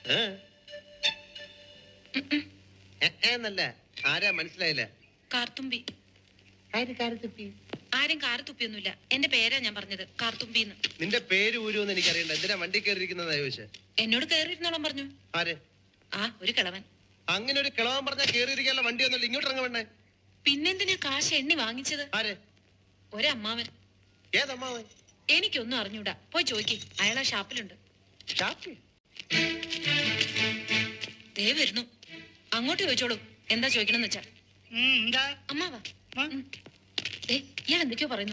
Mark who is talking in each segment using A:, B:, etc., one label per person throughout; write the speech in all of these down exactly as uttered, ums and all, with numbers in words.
A: എന്നല്ല ആരാ മനസ്സിലായില്ല.
B: കാർത്തുമ്പി. ആരും കാറ് തുപ്പിയൊന്നുമില്ല. എന്റെ പേരാ ഞാൻ പറഞ്ഞത്, കാർത്തുമ്പിന്ന്.
A: നിന്റെ പേര് ഊരുവെന്ന് എനിക്കറിയണ്ട. എന്തിനാ വണ്ടി കയറിയിരിക്കുന്നതാ ചോദിച്ചേ?
B: എന്നോട് കയറിയിരുന്നോളം പറഞ്ഞു.
A: ആര്?
B: ആ ഒരു കിളവൻ.
A: അങ്ങനെ ഒരു കിളവൻ പറഞ്ഞാൽ കയറിയിരിക്കാനുള്ള വണ്ടി ഒന്നല്ല, ഇങ്ങോട്ട് ഇറങ്ങ വേണ്ടേ?
B: പിന്നെന്തിനാ കാശ് എണ്ണി വാങ്ങിച്ചത്?
A: ആര്?
B: ഒരമ്മാവൻ.
A: ഏതമ്മാവൻ?
B: എനിക്കൊന്നും അറിഞ്ഞൂടാ, പോയി ചോദിക്ക്. അയാളാ ഷാപ്പിലുണ്ട്.
A: ഷാപ്പിൽ?
B: ദേ വരുന്നു, അങ്ങോട്ട് ചോദിച്ചോളൂ. എന്താ ചോദിക്കണമെന്ന് വെച്ചാ. അമ്മാവാ, ഇയാൾ എന്തൊക്കെയോ പറയുന്നു.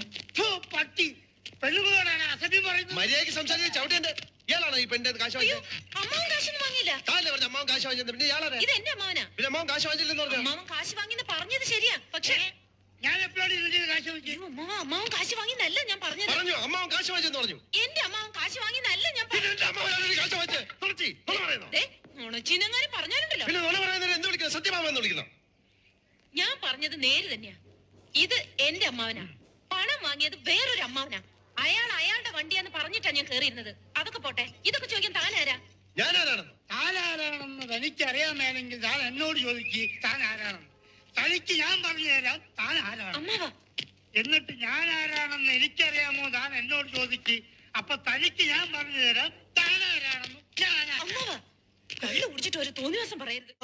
A: മര്യാദയ്ക്ക് സംസാരിച്ച് ചവിട്ടേണ്ട. ഇയാളാണോ ഈ പെണ്ണിന്റെ കാശ് വാങ്ങിയത്?
B: അമ്മാവൻ കാശൊന്നും വാങ്ങിയില്ല.
A: അമ്മാവൻ കാശ് വാങ്ങിച്ചത് പിന്നെ ഇയാളാണ്.
B: ഇത് എന്റെ അമ്മാവനാ.
A: പിന്നെ അമ്മാവൻ കാശ് വാങ്ങിച്ചില്ലെന്ന് പറഞ്ഞു.
B: അമ്മാവൻ കാശ് വാങ്ങിന്ന് പറഞ്ഞത് ശരിയാ, പക്ഷേ
C: ഞാൻ എപ്പോഴാണ് കാശ് വാങ്ങിച്ചത്?
B: അമ്മാവൻ കാശ് വാങ്ങിന്നല്ല ഞാൻ പറഞ്ഞത്.
A: പറഞ്ഞു അമ്മാവൻ കാശ് വാങ്ങിച്ചെന്ന് പറഞ്ഞു.
B: എന്റെ അമ്മാവൻ കാശ് വാങ്ങിന്നല്ല ഞാൻ പറഞ്ഞത്. പറഞ്ഞാലുണ്ടല്ലോ.
A: സത്യമാമെന്ന് വിളിക്കുന്നു.
B: ഞാൻ പറഞ്ഞത് നേര് തന്നെയാ. ഇത് എന്റെ അമ്മാവനാ. പണം വാങ്ങിയത് വേറൊരു അമ്മാവനാ. അയാൾ അയാളുടെ വണ്ടിയാന്ന് പറഞ്ഞിട്ടാ ഞാൻ കേറിയിരുന്നത്. അതൊക്കെ പോട്ടെ, ഇതൊക്കെ ചോദിക്കാൻ താനാരാ?
A: ഞാനാരാണെന്ന്
C: താനാരാണെന്ന് തനിക്കറിയാമെങ്കിൽ താൻ എന്നോട് ചോദിക്ക് താൻ ആരാണെന്ന്. തനിക്ക് ഞാൻ പറഞ്ഞു തരാം താൻ ആരാണ്.
B: അമ്മാവാ,
C: എന്നിട്ട് ഞാൻ ആരാണെന്ന് എനിക്കറിയാമോ താൻ എന്നോട് ചോദിക്ക്. അപ്പൊ തനിക്ക് ഞാൻ പറഞ്ഞു തരാം താൻ ആരാണെന്ന്.
B: അമ്മാവാ, കള്ളു കുടിച്ചിട്ട് ഒരു തോന്നിവാസം പറയരുത്.